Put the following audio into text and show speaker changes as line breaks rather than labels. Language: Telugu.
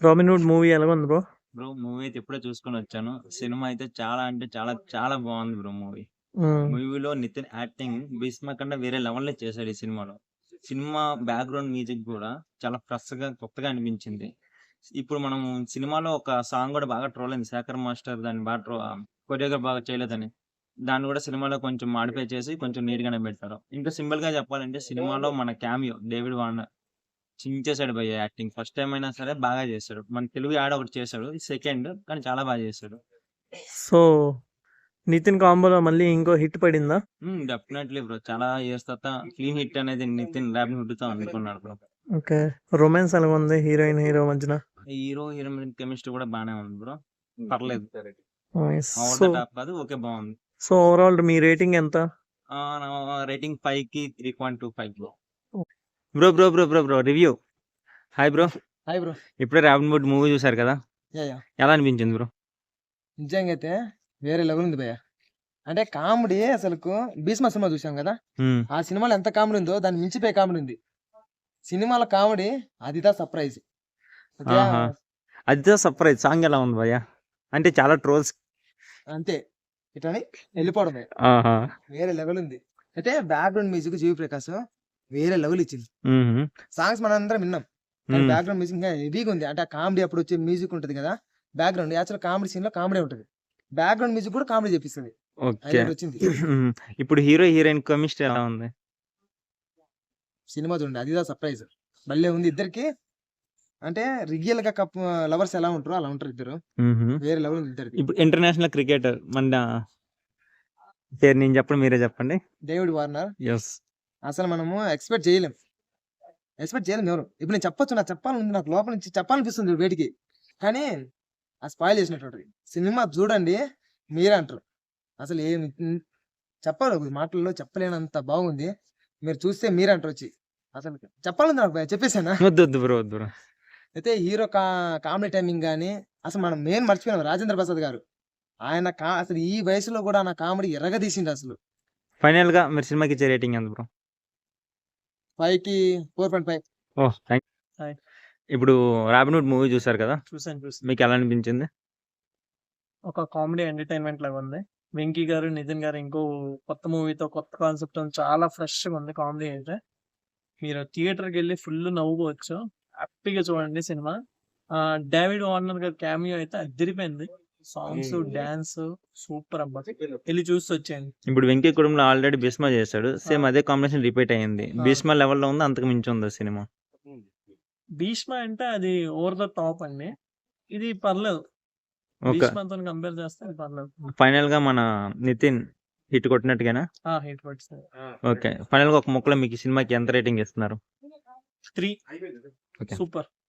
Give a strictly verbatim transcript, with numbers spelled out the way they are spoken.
రాబిన్ హుడ్ మూవీ ఎలా ఉంది బ్రో?
బ్రో మూవీ అయితే ఇప్పుడే చూసుకొని వచ్చాను. సినిమా అయితే చాలా అంటే చాలా చాలా బాగుంది బ్రో మూవీ.
హ్మ్.
మూవీలో నితిన్ యాక్టింగ్ భీష్మ కన్నా వేరే లెవెల్లో చేశాడు ఈ సినిమాలో. సినిమా బ్యాక్గ్రౌండ్ మ్యూజిక్ కూడా చాలా ఫ్రెష్ గా కొత్తగా అనిపించింది. ఇప్పుడు మనం సినిమాలో ఒక సాంగ్ కూడా బాగా ట్రోల్ అయింది. శేఖర్ మాస్టర్ దాన్ని బాగా ట్రో కొరియోగ్రాఫ్ బాగా చేయలేదని. దాన్ని కూడా సినిమాలో కొంచెం మాడిఫై చేసి కొంచెం నీట్ గానే పెట్టారు. ఇంకా సింపుల్ గా చెప్పాలంటే సినిమాలో మన క్యామియో డేవిడ్ వార్నర్ చించేశాడు భయ్య యాక్టింగ్. ఫస్ట్ టైం అయినా సరే బాగా చేశాడు. మన తెలుగు యాడ్ ఒకటి చేశాడు. సెకండ్ కానీ చాలా బాగా చేశాడు.
సో నితిన్ కాంబోలో మళ్ళీ ఇంకో హిట్ పడిందా?
Definitely bro. చాలా ఇయర్స్ తర్వాత క్లీన్ హిట్ అనేది నితిన్ రాబిన్ హుడ్ తో అనుకున్నాడు బ్రో.
ఓకే. రొమాన్స్ ఎలా ఉంది హీరోయిన్ హీరో మధ్యన?
హీరో హీరోయిన్ కెమిస్ట్రీ కూడా బాగానే ఉంది బ్రో. పర్లేదు.
Nice.
Over
so
the top కాదు, ఓకే బాగుంది.
సో ఓవరాల్ మీ రేటింగ్ ఎంత?
రేటింగ్ ఫైవ్ కి three point two five bro. Bro bro bro bro bro review. Hi bro.
Hi bro.
ఇప్పుడే రాబిన్ హుడ్ మూవీ చూసారు కదా,
యా యా
ఎలా అనిపించింది బ్రో?
నిజంగా అయితే వేరే లెవెల్ ఉంది భయ్య. అంటే కామెడీ అసలుకు భీష్మ సినిమా చూసాం కదా,
మ్మ్.
ఆ సినిమాలో ఎంత కామెడీ ఉందో దాన్ని మించిపోయే కామెడీ ఉంది సినిమాలో. Comedy అదిదా surprise. ఓకే,
ఆహా. అదే సర్ప్రైజ్. సాంగ్ ఎలా ఉంది భయ్య? అంటే చాలా ట్రోల్స్.
అంతే ఇట్లని వెళ్ళిపోవడమే.
ఆహా.
వేరే లెవెల్ ఉంది. అయితే బ్యాక్గ్రౌండ్ మ్యూజిక్ జీవి ప్రకాష్ వేరే లెవెల్ ఇచ్చింది.
మ్మ్.
సాంగ్స్ మనం అందరం విన్నాం, కానీ
మ్మ్.
బ్యాక్గ్రౌండ్ మ్యూజిక్ ఇంకా హెవీగా ఉంది. అంటే కామెడీ అప్పుడు వచ్చే మ్యూజిక్ ఉంటుంది కదా, బ్యాక్గ్రౌండ్ యాక్చువల్ కామెడీ సీన్ లో కామెడీ ఉంటుంది, బ్యాక్గ్రౌండ్ మ్యూజిక్ కూడా కామెడీ చెప్పిస్తుంది.
ఓకే.
హైలైట్ వచ్చింది
మ్మ్. ఇప్పుడు హీరో హీరోయిన్ కెమిస్ట్రీ ఎలా ఉంది?
సినిమా చూడండి, అదిదా సర్ప్రైజ్. భలే ఉంది ఇద్దరికి. అంటే రియల్ గా కప్ లవర్స్ ఎలా ఉంటారో అలా ఉంటారు ఇద్దరు.
మ్మ్.
వేరే లెవెల్ ఉంది ఇద్దరికి.
ఇప్పుడు ఇంటర్నేషనల్ క్రికెటర్ మన పేరు నేను చెప్పండి, మీరే చెప్పండి.
David Warner
yes.
అసలు మనము ఎక్స్పెక్ట్ చేయలేం, ఎక్స్పెక్ట్ చేయలేం ఎవరు. ఇప్పుడు నేను చెప్పొచ్చు, నాకు చెప్పాలని నాకు లోపల నుంచి చెప్పాలనిపిస్తుంది వేటికి, కానీ ఆ స్పాయిల్ చేసినట్టు సినిమా చూడండి మీరే అంటారు. అసలు ఏం చెప్పాలి, మాటల్లో చెప్పలేనంత బాగుంది. మీరు చూస్తే మీరే అంటారు వచ్చి. అసలు చెప్పాలని నాకు చెప్పేసానా?
వద్దు వద్దు బ్రో వద్దు బ్రో.
అయితే హీరో కా కామెడీ టైమింగ్ కానీ అసలు మనం మెయిన్ మర్చిపోయినాం రాజేంద్ర ప్రసాద్ గారు. ఆయన కా అసలు ఈ వయసులో కూడా నా కామెడీ ఎర్రగా తీసిండు అసలు.
ఫైనల్ గా మీరు సినిమాకి ఇచ్చే రేటింగ్ ఎంత బ్రో?
ఫైవ్ కి four point five.
Oh thank.
Hi.
ఇప్పుడు రాబిన్ హుడ్ మూవీ చూసారు కదా,
చూసాను చూసాను
మీకు ఎలా అనిపించింది?
ఒక కామెడీ ఎంటర్టైన్మెంట్ లాగా ఉంది. వెంకీ గారు నితిన్ గారు ఇంకో కొత్త మూవీతో కొత్త కాన్సెప్ట్ చాలా ఫ్రెష్ గా ఉంది కామెడీ అయితే. మీరు థియేటర్కి వెళ్ళి ఫుల్ నవ్వుకోవచ్చు, హ్యాపీగా చూడండి సినిమా. ఆ డేవిడ్ వార్నర్ గారి క్యామియో అయితే అదిరిపోయింది. సాంగ్స్ డాన్స్ సూపర్ అబ్బా, వెళ్ళి చూసి వచ్చేయండి.
ఇప్పుడు వెంకీ కుటుంబంలో ఆల్రెడీ భీష్మ చేశాడు, సేమ్ అదే కాంబినేషన్ రిపీట్ అయ్యింది.
ఆ.
భీష్మ లెవెల్లో ఉంది, అంతకు మించి ఉంది సినిమా.
భీష్మ అంటే అది ఓవర్ ద టాప్ అండి, ఇది పర్లేదు.
ఓకే.
భీష్మతో కంపేర్ చేస్తే ఇది పర్లేదు.
ఫైనల్ గా మన నితిన్ హిట్ కొట్టినట్టుగానా?
ఆ హిట్ పడుతుంది.
ఓకే. ఫైనల్ గా ఒక ముక్కలో మీకు ఈ సినిమాకి ఎంత రేటింగ్ ఇస్తున్నారు?
Three
okay.
సూపర్.